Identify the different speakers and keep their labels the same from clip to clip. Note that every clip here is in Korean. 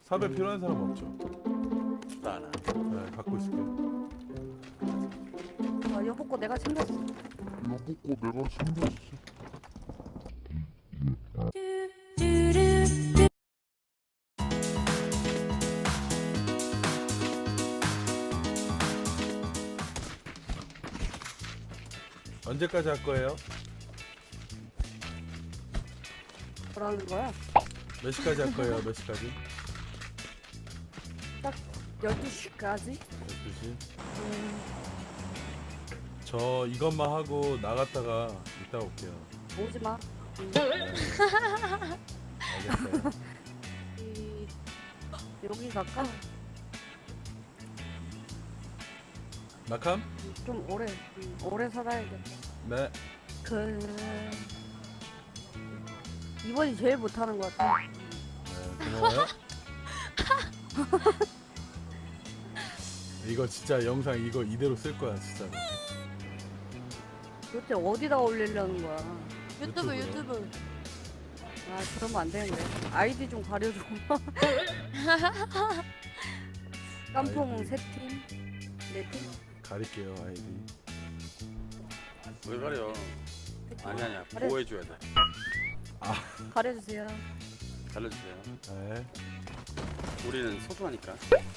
Speaker 1: 삽에 필요한 사람 없죠?
Speaker 2: 나 하나.
Speaker 1: 네, 갖고 있을게요.
Speaker 3: 아, 여보 거 내가 챙겼어.
Speaker 1: 언제까지 할 거예요?
Speaker 3: 뭐라는 거야?
Speaker 1: 몇 시까지 할 거예요? 몇 시까지?
Speaker 3: 12시까지?
Speaker 1: 12시? 저 이것만 하고 나갔다가 이따 올게요.
Speaker 3: 오지 마.
Speaker 1: 알겠어요.
Speaker 3: 여기 갈까?
Speaker 1: 낙함?
Speaker 3: 좀 오래 살아야겠다.
Speaker 1: 네.
Speaker 3: 이번이 제일 못하는 것 같아.
Speaker 1: 네, 고마워요. 이거 진짜 영상 이거 이대로 쓸 거야 진짜로.
Speaker 3: 도대체 어디다 올리려는 거야?
Speaker 1: 유튜브요?
Speaker 4: 유튜브.
Speaker 3: 아, 그러면 안 되는데. 아이디 좀 가려줘. 깜풍
Speaker 1: 아이디.
Speaker 3: 3팀? 4팀?
Speaker 1: 가릴게요 아이디.
Speaker 2: 왜 가려? 아니야.
Speaker 3: 그래.
Speaker 2: 보호해줘야 돼.
Speaker 3: 가려주세요.
Speaker 2: 달려주세요.
Speaker 1: 네.
Speaker 2: 우리는 소중하니까.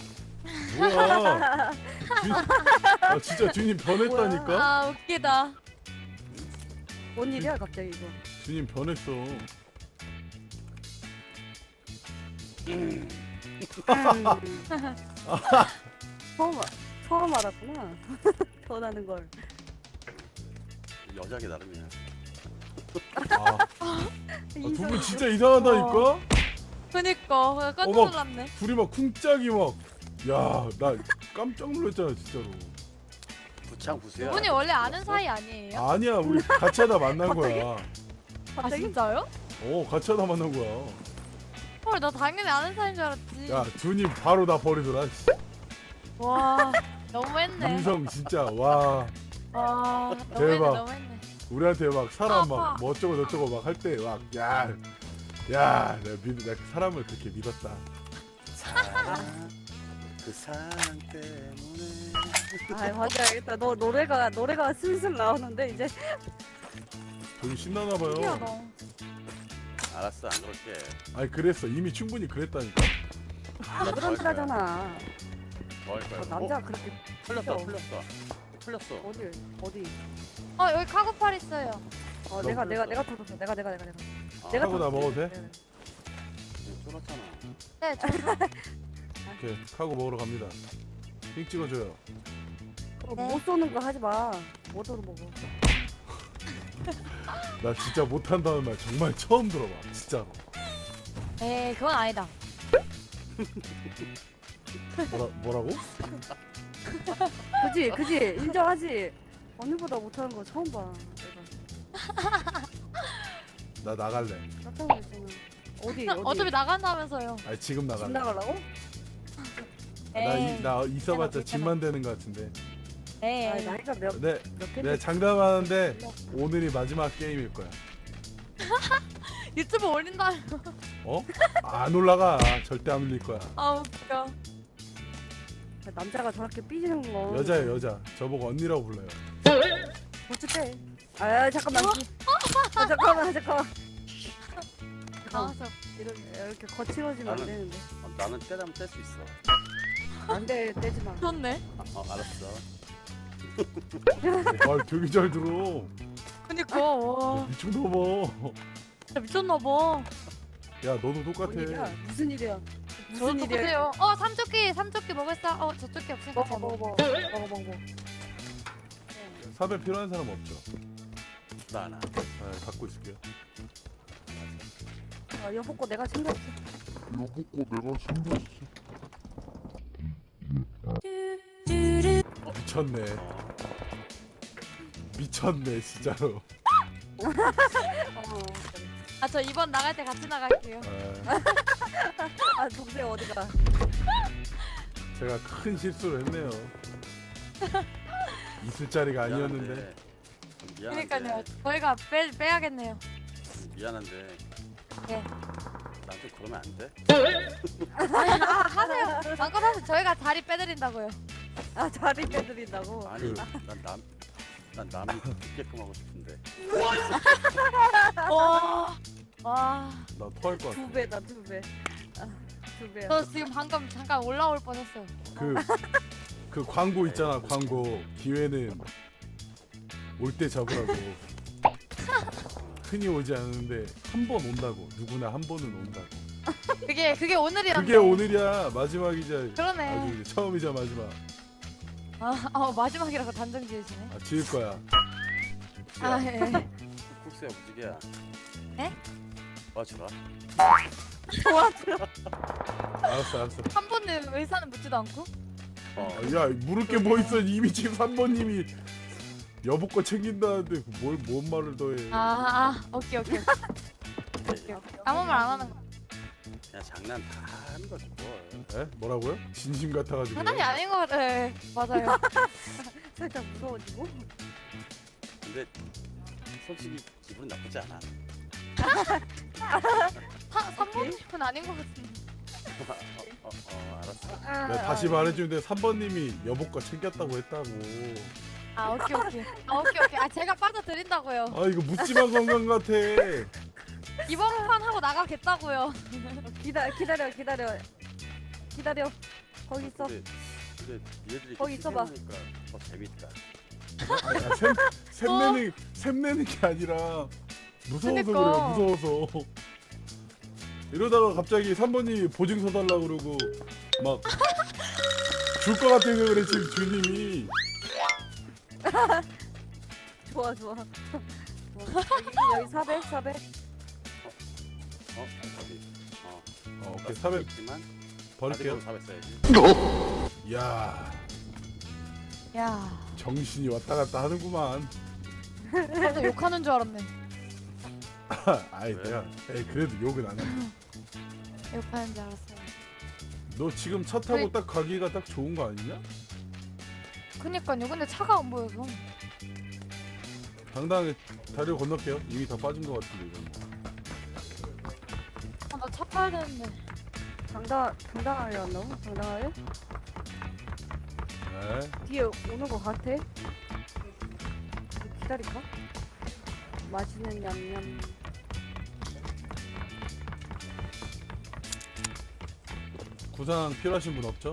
Speaker 1: 뭐야? 아 진짜 주님 변했다니까?
Speaker 4: 아 웃기다.
Speaker 3: 뭔 일이야 갑자기 이거?
Speaker 1: 주님 변했어.
Speaker 3: 처음 알았구나. 변하는 걸.
Speaker 2: 여자게 나름이야.
Speaker 1: 두 분 진짜 이상하다니까?
Speaker 4: 그니까 깜짝
Speaker 1: 어머.
Speaker 4: 놀랐네.
Speaker 1: 둘이 막 쿵짝이 막. 야, 나 깜짝 놀랐잖아 진짜로.
Speaker 2: 부창 부수야.
Speaker 4: 분이 원래 아는 사이 아니에요?
Speaker 1: 아니야, 우리 같이 하다 만난 거야.
Speaker 4: 아
Speaker 3: 갑자기?
Speaker 4: 진짜요?
Speaker 1: 같이 하다 만난 거야.
Speaker 4: 헐 나 당연히 아는 사이인 줄 알았지.
Speaker 1: 야, 주님 바로 나 버리더라. 씨.
Speaker 4: 와 너무했네.
Speaker 1: 인성 진짜 와.
Speaker 4: 와
Speaker 1: 대박.
Speaker 4: 너무했네 너무했네.
Speaker 1: 우리한테 막 사람 막
Speaker 4: 아파.
Speaker 1: 뭐 어쩌고 저쩌고 막 할 때 막 야, 내가 사람을 그렇게 믿었다.
Speaker 2: 사랑, 그 사랑 때문에.
Speaker 3: 아, 맞아. 알겠다. 너 노래가 슬슬 나오는데 이제.
Speaker 1: 되게 신나나 봐요.
Speaker 4: 신기하다.
Speaker 2: 알았어, 안 그럴게.
Speaker 1: 아니 그랬어. 이미 충분히 그랬다니까.
Speaker 3: 그런 소리잖아.
Speaker 2: 뭐할 거야?
Speaker 3: 남자 그렇게
Speaker 2: 풀렸어,
Speaker 3: 귀여워.
Speaker 2: 풀렸어.
Speaker 3: 어디?
Speaker 4: 어 여기 카고팔 있어요.
Speaker 3: 내가
Speaker 2: 그랬어.
Speaker 3: 터졌어. 내가.
Speaker 2: 아,
Speaker 3: 내가
Speaker 1: 하고 나
Speaker 3: 터졌어.
Speaker 1: 먹어도 돼?
Speaker 3: 네.
Speaker 2: 쫄았잖아.
Speaker 4: 네 저.
Speaker 1: 오케이, 카고 먹으러 갑니다. 핑 찍어줘요.
Speaker 3: 못 쏘는 거 하지 마. 못으로 먹어.
Speaker 1: 나 진짜 못한다는 말 정말 처음 들어봐. 진짜로.
Speaker 4: 에이 그건 아니다.
Speaker 1: 뭐라고?
Speaker 3: 그지 인정하지. 언니보다 못하는 거 처음 봐. 내가
Speaker 1: 나 나갈래.
Speaker 3: 깜짝 놀랐잖아. 어디?
Speaker 4: 어차피 나간다면서요.
Speaker 1: 아니 지금
Speaker 3: 집
Speaker 1: 나갈래.
Speaker 3: 나가려고?
Speaker 1: 나 있어봤자
Speaker 4: 괜찮아.
Speaker 1: 집만 되는 것 같은데.
Speaker 3: 아,
Speaker 4: 에이
Speaker 3: 나이가 몇
Speaker 1: 네,
Speaker 3: 캔데?
Speaker 1: 내가 장담하는데 오늘이 마지막 게임일 거야.
Speaker 4: 유튜브 올린다.
Speaker 1: 어? 안 올라가. 절대 안 올릴 거야.
Speaker 4: 아 웃겨.
Speaker 3: 남자가 저렇게 삐지는 거.
Speaker 1: 여자예요, 여자. 저보고 언니라고 불러요.
Speaker 3: 어쨌대. 아, 잠깐만. 잠깐만.
Speaker 4: 나와서
Speaker 3: 이렇게 거칠어지면 안
Speaker 2: 나는-
Speaker 3: 되는데.
Speaker 2: 나는 때라면 뗄 수 있어.
Speaker 3: 안 돼, 떼지 마.
Speaker 4: 좋네.
Speaker 2: 알았어.
Speaker 1: 아, 되게 잘 들어.
Speaker 4: 그니까 와
Speaker 1: 미쳤나봐.
Speaker 4: 진짜 미쳤나봐.
Speaker 1: 야, 너도 똑같아.
Speaker 3: 뭔 일이야? 무슨 일이야?
Speaker 4: 저도
Speaker 3: 무슨 일이야?
Speaker 4: 똑같아요. 삼조끼 먹었어. 저쪽이 없으니까 제가
Speaker 3: 먹어.
Speaker 1: 삽에 필요한 사람 없죠?
Speaker 2: 나 하나.
Speaker 1: 네, 갖고 있을게요.
Speaker 3: 아, 여보 거 내가 챙겼어.
Speaker 1: 미쳤네. 미쳤네, 진짜로.
Speaker 4: 아 저 이번 나갈 때 같이 나갈게요.
Speaker 1: 아,
Speaker 3: 동생 어디가?
Speaker 1: 제가 큰 실수를 했네요. 있을 자리가 아니었는데.
Speaker 2: 미안한데.
Speaker 4: 그러니까요. 저희가 빼야겠네요.
Speaker 2: 미안한데.
Speaker 4: 네.
Speaker 2: 나한테 그러면 안 돼?
Speaker 4: 하세요. 마음껏 하세요. 저희가 자리 빼드린다고요.
Speaker 3: 아 자리 빼드린다고.
Speaker 2: 아니,
Speaker 1: 그-
Speaker 2: 난 남이 듣게끔 하고 싶은데.
Speaker 4: 와. 와.
Speaker 1: 나 토할 것 같아.
Speaker 3: 두 배다 두 배. 아, 두 배야.
Speaker 4: 저 지금 방금 잠깐 올라올 뻔했어요.
Speaker 1: 그 광고 있잖아. 광고 기회는 올 때 잡으라고. 흔히 오지 않는데 한 번 온다고. 누구나 한 번은 온다고.
Speaker 4: 그게 오늘이란데.
Speaker 1: 그게 오늘이야. 마지막이자
Speaker 4: 그러네.
Speaker 1: 아주 이제 처음이자 마지막.
Speaker 4: 마지막이라고 단정 지으시네.
Speaker 1: 아 지을 거야.
Speaker 4: 아 예.
Speaker 2: 국수야 무지개야.
Speaker 4: 에?
Speaker 2: 맞추라.
Speaker 1: 알았어.
Speaker 4: 한 번은 의사는 묻지도 않고.
Speaker 1: 야 물을 게 뭐 있어. 이미 지금 3번님이 여보 거 챙긴다는데 뭔 말을 더해.
Speaker 4: 오케이. 아무 말 안 하는 거.
Speaker 2: 그냥 장난 다 하는 거지 뭘.
Speaker 1: 에? 뭐라고요? 진심 같아가지고.
Speaker 4: 장난이 아닌 것 같아. 예, 맞아요.
Speaker 3: 살짝 무서워지고.
Speaker 2: 근데 솔직히 기분 나쁘지 않아.
Speaker 4: 3번은 아닌 것 같은데.
Speaker 2: 알았어.
Speaker 1: 내가 다시 말해주는데 3번님이 여보 거 챙겼다고 했다고.
Speaker 4: 오케이. 제가 빠져드린다고요.
Speaker 1: 아 이거 묻지마 관광 같아.
Speaker 4: 이번 판 하고 나가겠다고요.
Speaker 3: 기다려. 거기 있어.
Speaker 2: 근데 얘들이
Speaker 3: 거기 있어봐.
Speaker 2: 그러니까 더 재밌다.
Speaker 1: 샘내는 게 아니라 무서워서
Speaker 4: 그니까.
Speaker 1: 그래요. 무서워서. 이러다가 갑자기 3번님이 보증서 달라 그러고 막 줄 것 같아서 그래 지금 주님이.
Speaker 3: 좋아. 여기 400.
Speaker 2: 저기.
Speaker 1: 오케이 400
Speaker 2: 있지만
Speaker 1: 버릴게요.
Speaker 2: 400 써야지.
Speaker 1: 이야
Speaker 4: 야,
Speaker 1: 정신이 왔다 갔다 하는구만.
Speaker 4: 나도 욕하는 줄 알았네.
Speaker 1: 아이
Speaker 2: 왜?
Speaker 1: 내가 그래도 욕은 안 해.
Speaker 4: 욕하는 줄 알았어요.
Speaker 1: 너 지금 차 타고 딱 가기가 딱 좋은 거 아니냐?
Speaker 4: 그니까요. 근데 차가 안 보여서.
Speaker 1: 당당하게 다리를 건널게요. 이미 다 빠진 것 같은데 이건.
Speaker 4: 나 차 타야 되는데.
Speaker 3: 당당하게 한다고? 당당하게?
Speaker 1: 네.
Speaker 3: 뒤에 오는 거 같아? 기다릴까? 맛있는 냠냠.
Speaker 1: 구상 필요하신 분 없죠?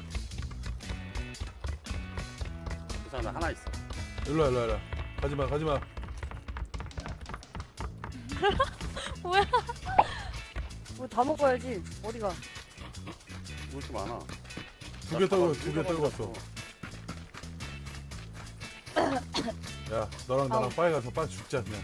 Speaker 2: 우선 하나 있어.
Speaker 1: 일로와. 가지마.
Speaker 4: 뭐야?
Speaker 3: 뭐 다 먹어야지. 어디가?
Speaker 2: 뭐 이렇게 많아.
Speaker 1: 두 개 떨고 왔어. 야 너랑 나랑 빨리 가서 빨리 죽자 그냥.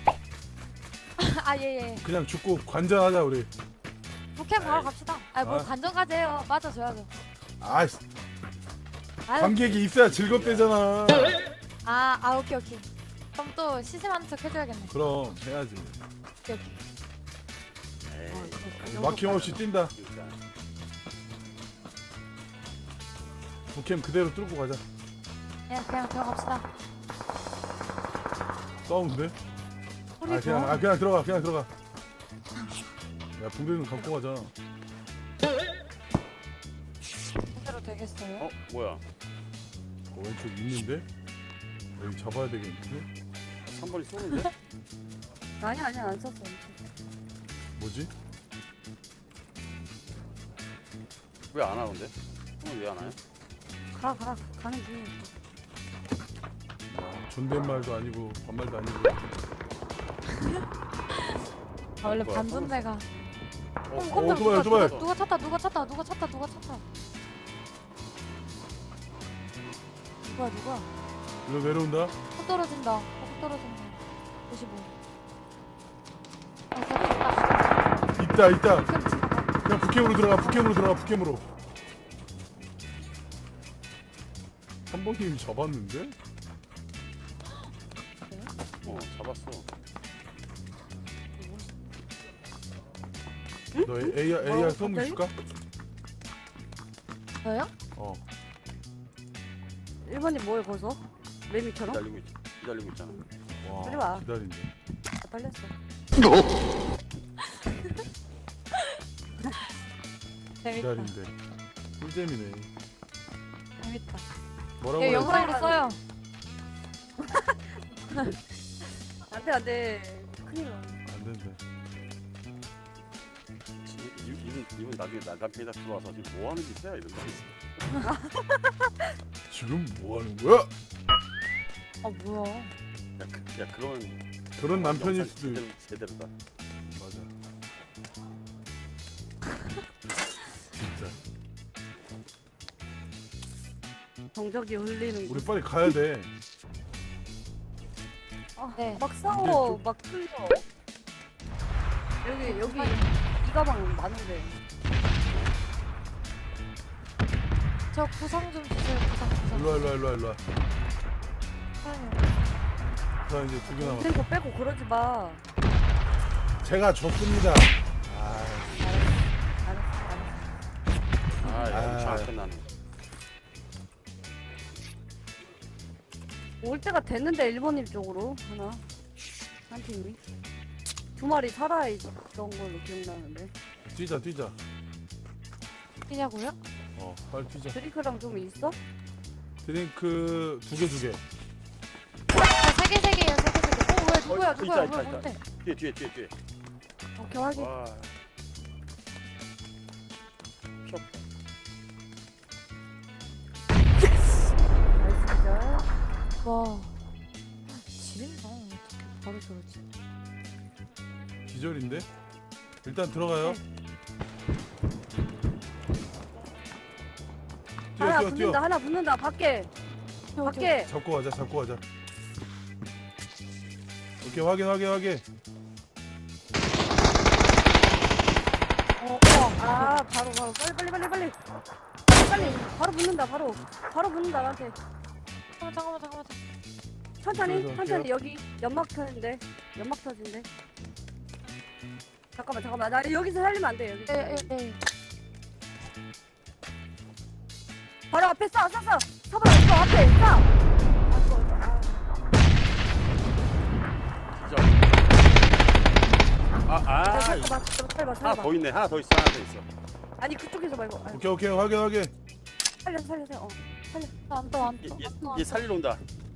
Speaker 4: 예.
Speaker 1: 그냥 죽고 관전하자 우리.
Speaker 4: 북캠 바로 갑시다. 뭘
Speaker 1: 아.
Speaker 4: 관전까지 해요. 맞아줘야죠.
Speaker 1: 아이씨
Speaker 4: 아유.
Speaker 1: 관객이 있어야 즐겁대잖아.
Speaker 4: 오케이. 그럼 또 시샘하는 척 해줘야겠네.
Speaker 1: 그럼 해야지.
Speaker 4: 오케이.
Speaker 2: 에이.
Speaker 1: 막힘없이 뛴다.
Speaker 2: 그러니까.
Speaker 1: 부캠 그대로 뚫고 가자.
Speaker 4: 그냥 들어갑시다.
Speaker 1: 싸우는데?
Speaker 4: 우리
Speaker 1: 그냥 들어가. 야 붕대는 갖고 가자.
Speaker 4: 제대로 되겠어요?
Speaker 2: 뭐야?
Speaker 1: 왼쪽 있는데? 여기 잡아야 되겠는데?
Speaker 2: 3번이 쏘는데?
Speaker 3: 아니 안 썼어.
Speaker 1: 뭐지?
Speaker 2: 왜 안 하는데? 왜 안 와요?
Speaker 3: 가는 중이야.
Speaker 1: 야, 존댓말도 아니고 반말도 아니고.
Speaker 4: 원래
Speaker 2: 뭐야,
Speaker 4: 반존대가.
Speaker 1: 오토바이.
Speaker 4: 누가 찼다. 누가?
Speaker 1: 일로 내려온다.
Speaker 4: 훅 떨어진다. 55.
Speaker 1: 있다. 그냥 북캠으로 들어가. 북캠으로. 3번님 잡았는데?
Speaker 2: 잡았어.
Speaker 1: 너 AR 선물
Speaker 3: 갑자기?
Speaker 1: 줄까?
Speaker 4: 저요?
Speaker 3: 1번이 뭐에 벗어? 매미처럼?
Speaker 2: 기다리고 있잖아.
Speaker 3: 빨리
Speaker 1: 와
Speaker 3: 와.
Speaker 1: 기다린대.
Speaker 3: 아, 빨렸어.
Speaker 4: 재밌다.
Speaker 1: 기다린대. 꿀잼이네.
Speaker 4: 재밌다.
Speaker 1: 뭐라고
Speaker 4: 얘
Speaker 1: 해야지?
Speaker 4: 영상으로 써요.
Speaker 3: 안돼 안돼. 큰일 나.
Speaker 1: 안 된대.
Speaker 2: 이분 나중에 남편이다 들어와서 지금 뭐 하는 짓이야 이런 거.
Speaker 1: 지금 뭐 하는 거야?
Speaker 4: 아 뭐야?
Speaker 2: 야 그러면
Speaker 1: 그런 남편일
Speaker 2: 영상
Speaker 1: 수도 있.
Speaker 2: 제대로다.
Speaker 1: 맞아. 진짜.
Speaker 3: 정적이 흘리는.
Speaker 1: 우리 빨리 가야 돼.
Speaker 3: 아,
Speaker 4: 네.
Speaker 3: 막 싸워.
Speaker 1: 이제
Speaker 3: 막 틀려. 여기 이 가방 많은데.
Speaker 4: 저 구상 좀 주세요. 구상.
Speaker 1: 일로 와. 자 이제 두 개 남았어.
Speaker 3: 그리고 빼고 그러지 마.
Speaker 1: 제가 줬습니다. 아,
Speaker 3: 알았어.
Speaker 2: 아야
Speaker 1: 아.
Speaker 2: 잘 끝나네.
Speaker 3: 올 때가 됐는데 일본인 쪽으로 하나 한 팀이 두 마리 살아있던 걸로 기억나는데.
Speaker 1: 뛰자.
Speaker 4: 뛰냐고요?
Speaker 1: 빨리 뛰자.
Speaker 3: 드링크랑 좀 있어?
Speaker 1: 드링크 두 개.
Speaker 4: 세 개예요. 세 개. 왜 누구야?
Speaker 2: 있다.
Speaker 4: 뭐야? 뭔데?
Speaker 2: 뒤에.
Speaker 3: 오케이 확인.
Speaker 2: 와. 피 없다.
Speaker 3: 나이스 기절.
Speaker 4: 와. 지린다. 어떻게 바로 저러지?
Speaker 1: 기절인데? 일단 들어가요.
Speaker 3: 하나
Speaker 1: 뛰어.
Speaker 3: 붙는다. 하나 붙는다. 밖에. 밖에.
Speaker 1: 잡고 가자. 오케이 확인.
Speaker 3: 아 바로 빨리. 바로 붙는다. 바로 붙는다 나한테.
Speaker 4: 잠깐만.
Speaker 3: 천천히
Speaker 1: 할게요.
Speaker 3: 여기 연막 터진데. 잠깐만. 나 여기서 살리면 안 돼. 여기서.
Speaker 4: 예.
Speaker 3: 바로 앞에 쏴. 서봐 이거 앞에 쏴.
Speaker 2: 진짜. 아.
Speaker 3: 살봐.
Speaker 2: 하나 더 있네. 하나 더 있어.
Speaker 3: 아니 그쪽에서 말고. 아니,
Speaker 1: 오케이 확인.
Speaker 3: 살려.
Speaker 4: 안 떠.
Speaker 2: 얘 살리러 온다.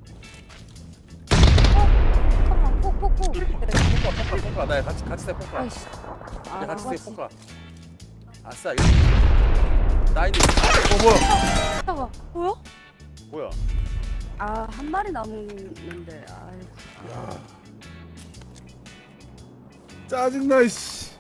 Speaker 4: 잠깐만. 폭.
Speaker 2: 포카. 나 같이 세 포카.
Speaker 4: 아이씨.
Speaker 2: 야 같이 세
Speaker 3: 맞지.
Speaker 2: 포카. 아싸 이거. 나이도
Speaker 1: 뭐야?
Speaker 4: 잠깐만. 뭐야?
Speaker 2: 뭐야?
Speaker 3: 한 마리 남았는데. 아이고.
Speaker 1: 야. 짜증나 씨.